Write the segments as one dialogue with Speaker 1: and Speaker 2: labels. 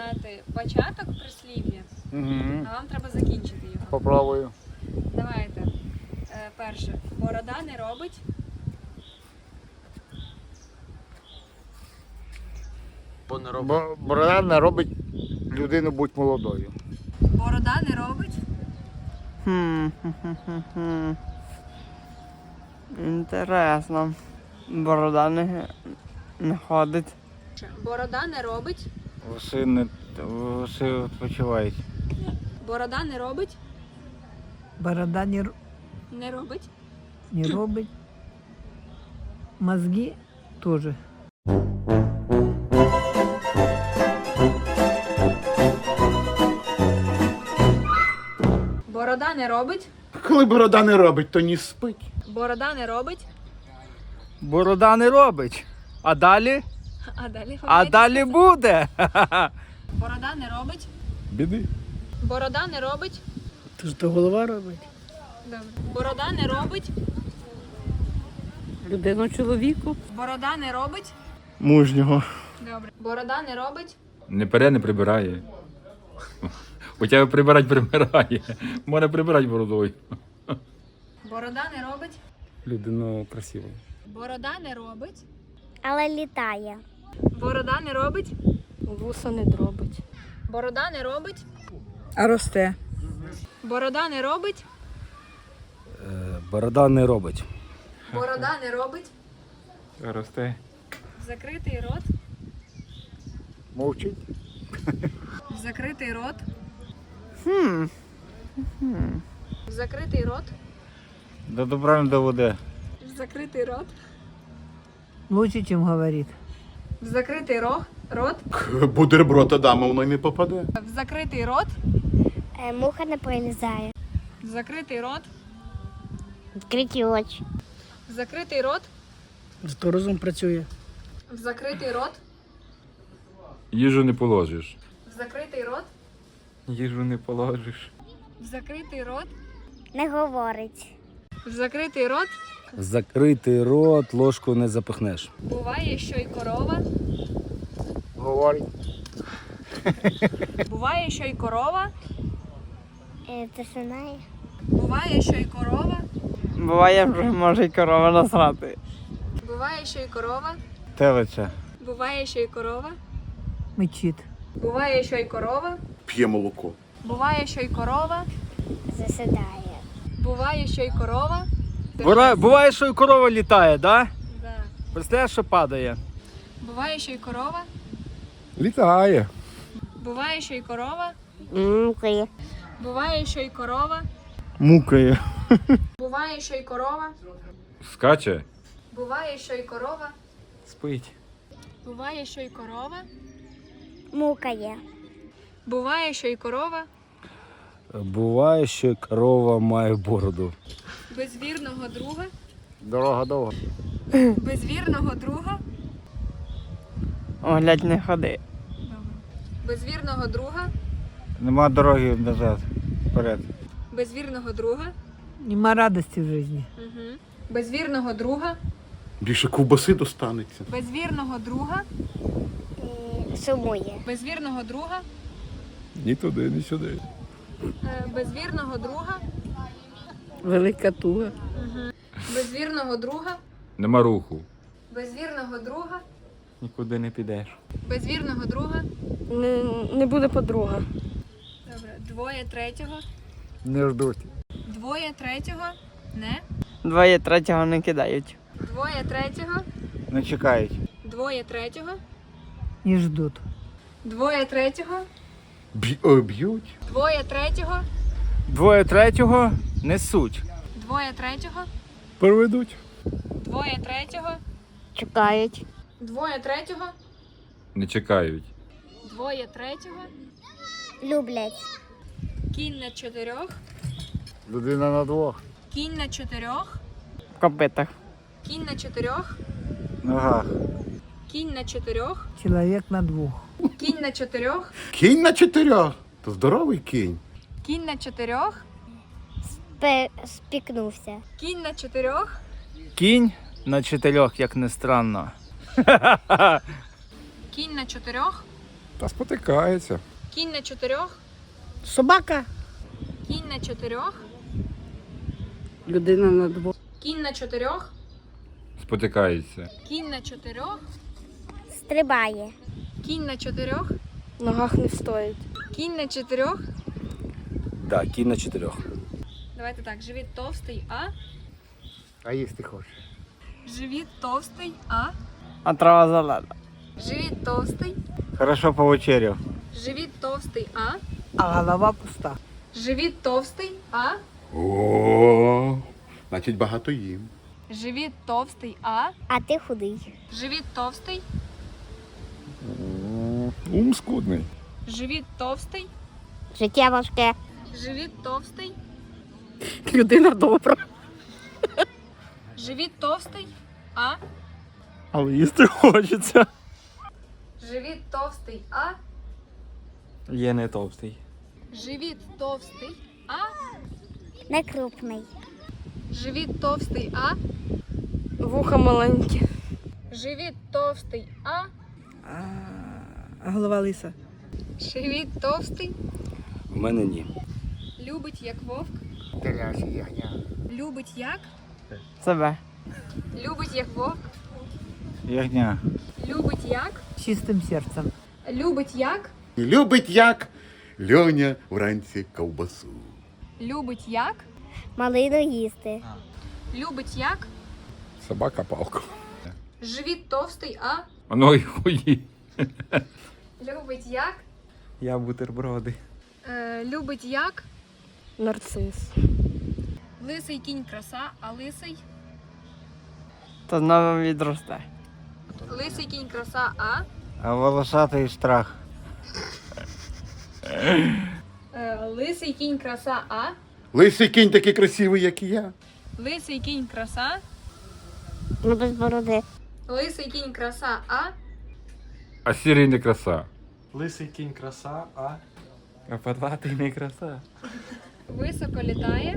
Speaker 1: знати початок прислів'я,
Speaker 2: Угу.
Speaker 1: а вам треба закінчити його.
Speaker 2: Попробую.
Speaker 1: Давайте. Перше. Борода не робить.
Speaker 2: Борода не робить людину будь молодою.
Speaker 1: Борода не робить.
Speaker 3: Інтересно. Борода не ходить.
Speaker 1: Борода не робить.
Speaker 2: Вуси відпочивають.
Speaker 1: Борода не робить.
Speaker 4: Борода
Speaker 1: Не робить.
Speaker 4: не робить. Мозги тоже.
Speaker 1: Борода не робить.
Speaker 5: Коли борода не робить, то ні спить.
Speaker 1: Борода не робить.
Speaker 3: Борода не робить. А далі?
Speaker 1: А далі
Speaker 3: А далі буде.
Speaker 1: Борода не робить.
Speaker 5: Біди.
Speaker 1: Борода не робить.
Speaker 4: То ж то голова робить.
Speaker 1: Добре. Борода не робить.
Speaker 4: Людину чоловіку.
Speaker 1: Борода не робить.
Speaker 5: Мужнього.
Speaker 1: Добре. Борода не робить.
Speaker 6: Не пере, не прибирає. У тебе прибирать прибирає. Можна прибирати бородою.
Speaker 1: Борода не робить.
Speaker 5: Людину красиву.
Speaker 1: Борода не робить.
Speaker 7: Але літає.
Speaker 1: Борода не робить.
Speaker 4: Вуса не дробить.
Speaker 1: Борода не робить.
Speaker 4: А росте.
Speaker 1: Борода не робить.
Speaker 2: Борода не робить.
Speaker 1: Борода не робить.
Speaker 5: Росте.
Speaker 1: Закритий рот.
Speaker 2: Мовчить.
Speaker 1: Закритий рот. Закритий рот.
Speaker 2: До добра не доведе.
Speaker 1: Закритий рот.
Speaker 4: Лучше, чем говорит.
Speaker 1: В закритий рот.
Speaker 5: Бутерброд Адама воно й не попаде.
Speaker 1: В закритий рот.
Speaker 7: Муха не пролізає.
Speaker 1: В закритий рот.
Speaker 7: Відкриті очі.
Speaker 1: В закритий рот.
Speaker 4: Зато розум працює.
Speaker 1: В закритий рот.
Speaker 6: Їжу не положиш.
Speaker 1: В закритий рот.
Speaker 5: Їжу не положиш.
Speaker 1: В закритий рот.
Speaker 7: Не говорить.
Speaker 1: В закритий рот.
Speaker 2: Закритий рот, ложку не запихнеш.
Speaker 1: Буває, що й корова.
Speaker 2: Говорить.
Speaker 1: Буває, що й корова.
Speaker 7: Це знає.
Speaker 1: Буває, що й корова.
Speaker 3: Буває, вже може й корова насрати.
Speaker 1: Буває, що й корова.
Speaker 2: Телиця.
Speaker 1: Буває, що й корова.
Speaker 4: Мечит.
Speaker 1: Буває, що й корова.
Speaker 5: П'є молоко.
Speaker 1: Буває, що й корова.
Speaker 7: Засідає.
Speaker 1: Буває, що й корова.
Speaker 3: Буває, що і корова літає, да?
Speaker 1: Да.
Speaker 3: Представляєш, що падає?
Speaker 1: Буває, що й корова.
Speaker 5: Літає.
Speaker 1: Буває, що й корова.
Speaker 7: Мукає.
Speaker 1: Буває, що й корова.
Speaker 2: Мукає.
Speaker 1: Буває, що й корова.
Speaker 6: Скаче.
Speaker 1: Буває, що й корова.
Speaker 5: Спить.
Speaker 1: Буває, що й корова.
Speaker 7: Мукає.
Speaker 1: Буває, що й корова.
Speaker 2: Буває, що корова має бороду.
Speaker 1: Без вірного друга.
Speaker 2: Дорога довга.
Speaker 1: Без вірного друга.
Speaker 3: О, глядь, не ходи.
Speaker 1: Без вірного друга.
Speaker 2: Нема дороги назад. Вперед.
Speaker 1: Без вірного друга.
Speaker 4: Нема радости в жизни.
Speaker 1: Угу. Без вірного друга.
Speaker 5: Більше ковбаси достанеться.
Speaker 1: Без вірного друга.
Speaker 7: Сумує.
Speaker 1: Без вірного друга.
Speaker 5: Ні туди, ні сюди.
Speaker 1: Без вірного друга.
Speaker 4: Велика туга.
Speaker 1: Без вірного друга.
Speaker 6: Нема руху.
Speaker 1: Без вірного друга.
Speaker 5: Нікуди не підеш.
Speaker 1: Без вірного друга.
Speaker 4: Не буде подруга.
Speaker 1: Добре. Двоє третього.
Speaker 2: Не ждуть.
Speaker 1: Двоє третього. Не.
Speaker 3: Двоє третього не кидають.
Speaker 1: Двоє третього.
Speaker 2: Не чекають.
Speaker 1: Двоє третього.
Speaker 4: Не ждут.
Speaker 1: Двоє третього.
Speaker 5: Б'ють.
Speaker 1: Двоє третього.
Speaker 3: Двоє третього несуть.
Speaker 1: Двоє третього.
Speaker 5: Переведуть.
Speaker 1: Двоє третього.
Speaker 7: Чекають.
Speaker 1: Двоє третього.
Speaker 6: Не чекають.
Speaker 1: Двоє третього.
Speaker 7: Люблять.
Speaker 1: Кінь на чотирьох.
Speaker 2: Людина на двох.
Speaker 1: Кінь на чотирьох.
Speaker 3: В копитах.
Speaker 1: Кінь на чотирьох.
Speaker 2: Ногах.
Speaker 1: Кінь на чотирьох.
Speaker 4: Человек на двух.
Speaker 1: Кінь на чотирьох.
Speaker 5: Кінь на чотирьох. То здоровий кінь.
Speaker 1: Кінь на чотирьох.
Speaker 7: Спікнувся.
Speaker 1: Кінь на чотирьох.
Speaker 3: Кінь на чотирьох, як не странно.
Speaker 1: Кінь на чотирьох.
Speaker 5: Та спотикається.
Speaker 1: Кінь на 4.
Speaker 4: Собака.
Speaker 1: Кінь на 4.
Speaker 4: Людина на 2.
Speaker 1: Кінь на 4.
Speaker 6: Спотикається.
Speaker 1: Кінь на 4.
Speaker 7: Стрибає.
Speaker 1: Кінь на 4.
Speaker 4: В ногах не стоїть.
Speaker 1: Кінь на 4.
Speaker 2: Да, кінь на 4.
Speaker 1: Давайте так. Живіт товстий, а?
Speaker 3: А їсти хочеш.
Speaker 1: Живіт товстий, а?
Speaker 3: А трава зелена.
Speaker 1: Живіт товстий.
Speaker 3: Хорошо повечеряв.
Speaker 1: Живіт товстий, а?
Speaker 4: А голова пуста.
Speaker 1: Живіт товстий, а?
Speaker 5: О, значить багато їм.
Speaker 1: Живіт товстий, а?
Speaker 7: А ти худий.
Speaker 1: Живіт товстий.
Speaker 5: Ум скудний.
Speaker 1: Живіт товстий.
Speaker 7: Життя важке.
Speaker 1: Живіт товстий.
Speaker 4: Людина добра.
Speaker 1: Живіт товстий, а?
Speaker 3: Але їсти хочеться.
Speaker 1: Живіт товстий, а?
Speaker 3: Є не товстий.
Speaker 1: Живіт товстий, а?
Speaker 7: Не крупний.
Speaker 1: Живіт товстий, а?
Speaker 4: Вуха маленькі.
Speaker 1: Живіт товстий, а?
Speaker 4: А голова лиса.
Speaker 1: Живіт товстий.
Speaker 2: В мене ні.
Speaker 1: Любить як вовк.
Speaker 3: Теляші ягня.
Speaker 1: Любить як?
Speaker 3: Себе.
Speaker 1: Любить як вовк.
Speaker 3: Ягня.
Speaker 1: Любить як?
Speaker 4: Чистим серцем.
Speaker 1: Любить як?
Speaker 5: Любить як Льоня вранці ковбасу.
Speaker 1: Любить як?
Speaker 7: Малину їсти.
Speaker 1: Любить як?
Speaker 5: Собака палку.
Speaker 1: Живіт товстий, а?
Speaker 6: Воно й хуї.
Speaker 1: Любить як?
Speaker 3: Я бутерброди.
Speaker 1: Любить як?
Speaker 4: Нарцис.
Speaker 1: Лисий кінь краса, а лисий?
Speaker 3: Та знову відросте.
Speaker 1: Лисий кінь краса, а?
Speaker 3: А волосатий страх.
Speaker 1: Лисий кінь краса, а?
Speaker 5: Лисий кінь такий красивий, як і я.
Speaker 1: Лисий кінь краса.
Speaker 7: Ну без бороди.
Speaker 1: Лисий кінь краса, а?
Speaker 6: А сірий не краса.
Speaker 3: Лисий кінь краса, а подватий не краса.
Speaker 1: Високо літає.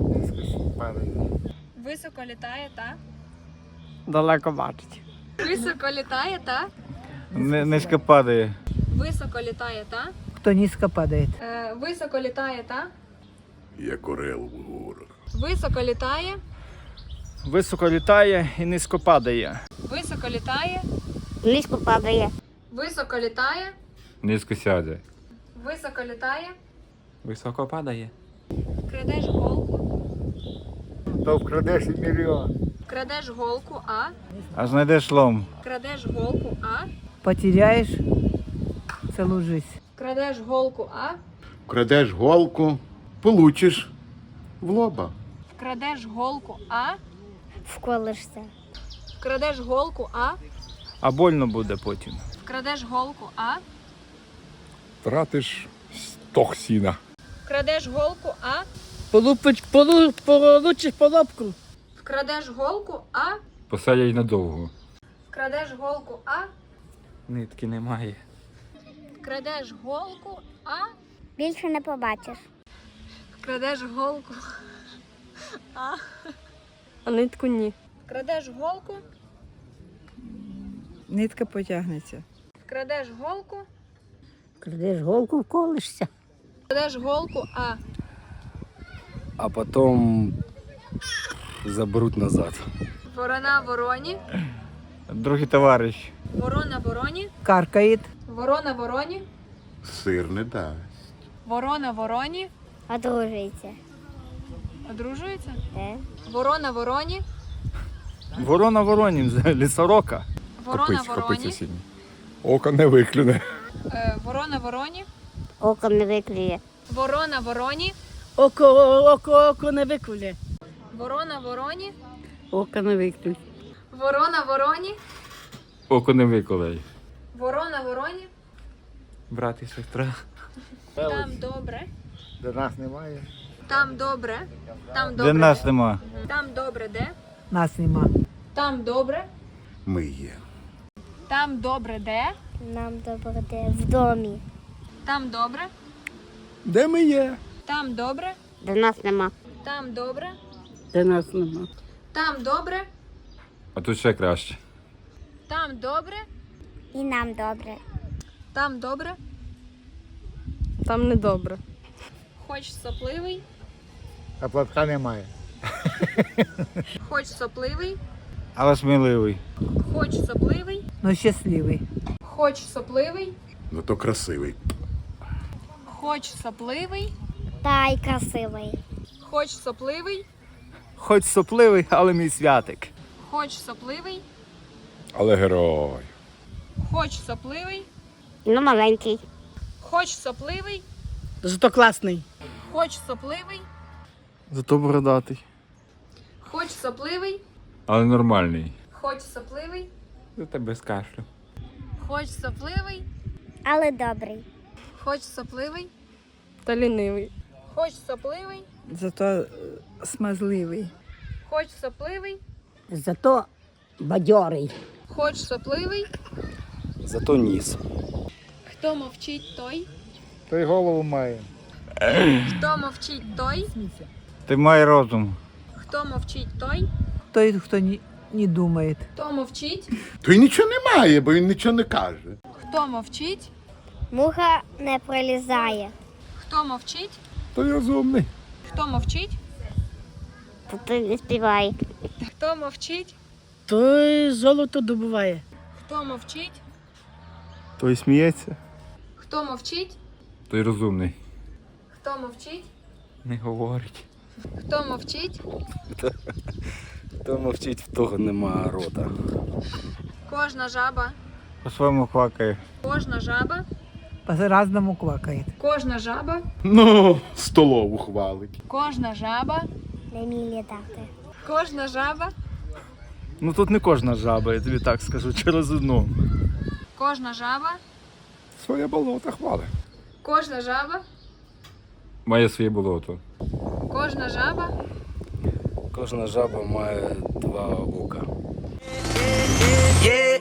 Speaker 1: Високо літає, та?
Speaker 3: Далеко бачить.
Speaker 1: Високо літає, та?
Speaker 3: Низько падає.
Speaker 1: Високо літає, та?
Speaker 4: Кто низко падает.
Speaker 1: Високо літає, та?
Speaker 5: Як орел в горах.
Speaker 1: Високо літає.
Speaker 3: Високо літає і низько падає.
Speaker 1: Високо літає.
Speaker 7: Низько падає.
Speaker 1: Високо літає.
Speaker 6: Низько сяде.
Speaker 1: Високо літає.
Speaker 3: Високо падає.
Speaker 1: Крадеш голку.
Speaker 3: То вкрадеш і мільйон.
Speaker 1: Крадеш голку, а?
Speaker 3: А знайдеш лом.
Speaker 1: Крадеш голку, а?
Speaker 4: Потеряешь целую жизнь.
Speaker 1: Крадеш голку, а?
Speaker 5: Крадеш голку, получиш в лоба.
Speaker 1: Вкрадеш голку, а?
Speaker 7: Вколишся.
Speaker 1: Вкрадеш голку, а?
Speaker 3: А больно буде потім.
Speaker 1: Вкрадеш голку, а?
Speaker 5: Тратиш стог сіна.
Speaker 1: Вкрадеш голку, а?
Speaker 4: Получишь по лобку.
Speaker 1: Вкрадеш голку, а?
Speaker 6: Посадять надовго.
Speaker 1: Вкрадеш голку, а?
Speaker 3: Нитки немає.
Speaker 1: Вкрадеш голку, а?
Speaker 7: Більше не побачиш.
Speaker 1: Вкрадеш голку.
Speaker 4: А нитку ні.
Speaker 1: Вкрадеш голку.
Speaker 4: Нитка потягнеться.
Speaker 1: Вкрадеш голку.
Speaker 4: Крадеш голку, вколишся.
Speaker 1: Вкрадеш голку, а?
Speaker 2: А потім заберуть назад.
Speaker 1: Ворона вороні.
Speaker 3: Другий товариш.
Speaker 1: Ворона вороні.
Speaker 4: Каркает.
Speaker 1: Ворона вороні.
Speaker 5: Сир не дасть.
Speaker 1: Ворона вороні.
Speaker 7: Одружується.
Speaker 1: Одружується?
Speaker 7: Ворона
Speaker 1: вороні.
Speaker 3: Ворона воронін, лісорока.
Speaker 1: Ворона вороні.
Speaker 5: сінь. Око не виклюне.
Speaker 1: Ворона вороні.
Speaker 7: Око не виклює.
Speaker 1: Ворона вороні.
Speaker 4: Око не виклює.
Speaker 1: Ворона вороні.
Speaker 4: Око не виклює.
Speaker 1: Ворона вороні.
Speaker 6: Око не виколей.
Speaker 1: Ворона вороні.
Speaker 3: Брат і сестра.
Speaker 1: Там добре.
Speaker 3: До нас немає.
Speaker 1: Там добре. Там
Speaker 3: Де
Speaker 1: добре.
Speaker 3: нас нема.
Speaker 1: Там добре де?
Speaker 4: Нас нема.
Speaker 1: Там добре.
Speaker 5: Ми є.
Speaker 1: Там добре де?
Speaker 7: Нам добре в домі.
Speaker 1: Там добре.
Speaker 5: Де ми є?
Speaker 1: Там добре.
Speaker 7: До нас нема.
Speaker 1: Там добре.
Speaker 4: Де нас нема.
Speaker 1: Там добре.
Speaker 6: А тут ще краще.
Speaker 1: Там добре.
Speaker 7: І нам добре.
Speaker 1: Там добре.
Speaker 8: Там недобре.
Speaker 1: Хоч сопливий.
Speaker 3: А платка немає.
Speaker 1: Хоч сопливий.
Speaker 3: Але сміливий.
Speaker 1: Хоч сопливий.
Speaker 4: Ну щасливий.
Speaker 1: Хоч сопливий.
Speaker 5: Ну то красивий.
Speaker 1: Хоч сопливий.
Speaker 7: Та й красивий.
Speaker 1: Хоч сопливий.
Speaker 3: Хоч сопливий, але мій святик.
Speaker 1: Хоч сопливий.
Speaker 5: Але герой.
Speaker 1: Хоч сопливий.
Speaker 7: Ну, маленький.
Speaker 1: Хоч сопливий.
Speaker 4: Зато класний.
Speaker 1: Хоч сопливий.
Speaker 3: Зато бородатий.
Speaker 1: Хоч сопливий.
Speaker 6: Але нормальний.
Speaker 1: Хоч сопливий.
Speaker 6: Зате без кашлю.
Speaker 1: Хоч сопливий.
Speaker 7: Але добрий.
Speaker 1: Хоч сопливий.
Speaker 8: Та лінивий.
Speaker 1: Хоч сопливий.
Speaker 4: Зато смазливий.
Speaker 1: Хоч сопливий.
Speaker 4: Зато бадьорий.
Speaker 1: Хоч сопливий.
Speaker 2: Зато ніс.
Speaker 1: Хто мовчить, той.
Speaker 3: Той голову має.
Speaker 1: Хто мовчить, той.
Speaker 3: Ти має розум.
Speaker 1: Хто мовчить, той.
Speaker 4: Той, хто не думає.
Speaker 1: Хто мовчить.
Speaker 5: То й нічого немає, бо він нічого не каже.
Speaker 1: Хто мовчить.
Speaker 7: Муха не пролізає.
Speaker 1: Хто мовчить.
Speaker 5: Той розумний.
Speaker 1: Хто мовчить.
Speaker 7: То ти не співає.
Speaker 1: Хто мовчить.
Speaker 4: Той золото добуває.
Speaker 1: Хто мовчить.
Speaker 3: Той сміється.
Speaker 1: Хто мовчить.
Speaker 6: Той розумний.
Speaker 1: Хто мовчить.
Speaker 3: Не говорить.
Speaker 1: Хто мовчить.
Speaker 2: Хто мовчить, в того нема рота.
Speaker 1: Кожна жаба.
Speaker 3: По-своєму квакає.
Speaker 1: Кожна жаба.
Speaker 4: По-разному квакає.
Speaker 1: Кожна жаба.
Speaker 5: Ну, столову хвалить.
Speaker 1: Кожна жаба.
Speaker 7: Не вміє літати.
Speaker 1: Кожна жаба.
Speaker 3: Ну тут не кожна жаба, я тобі так скажу, через одну.
Speaker 1: Кожна жаба.
Speaker 5: Своє болото хвалить.
Speaker 1: Кожна жаба.
Speaker 6: Має своє болото.
Speaker 1: Кожна жаба.
Speaker 2: Кожна жаба має два ока.
Speaker 9: Yeah.